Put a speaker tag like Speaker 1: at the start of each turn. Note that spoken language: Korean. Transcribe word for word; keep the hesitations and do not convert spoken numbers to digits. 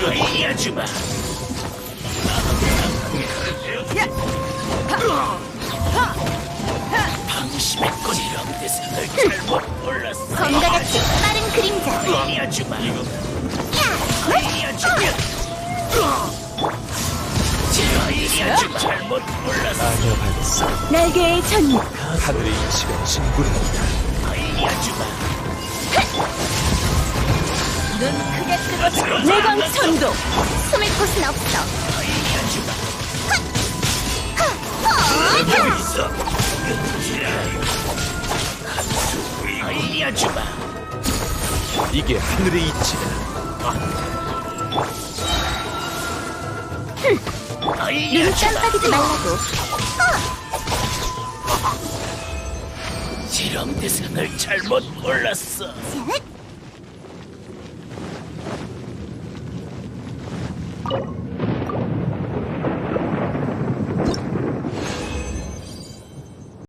Speaker 1: 보여주마. 방심의 꽃이란 뜻을 잘못 몰랐어.
Speaker 2: 검과 같이 빠른 그림자.
Speaker 1: 알려주마. 알려주마. 알려주마. 잘못 몰랐어.
Speaker 3: 아니어봐야겠어.
Speaker 2: 날개의 전율.
Speaker 3: 하늘의 이치가 진군한다.
Speaker 1: 알려주마.
Speaker 2: 눈 크게 뜨고 내광 천도. 숨을 곳은 없어.
Speaker 1: 알려주마.
Speaker 2: 하!
Speaker 1: 있어. 알려주마.
Speaker 3: 이게 하늘의 이치다.
Speaker 2: 눈
Speaker 1: 알려주마.
Speaker 2: 깜빡이지 말라고.
Speaker 1: 지렁 대상을 잘못 몰랐어.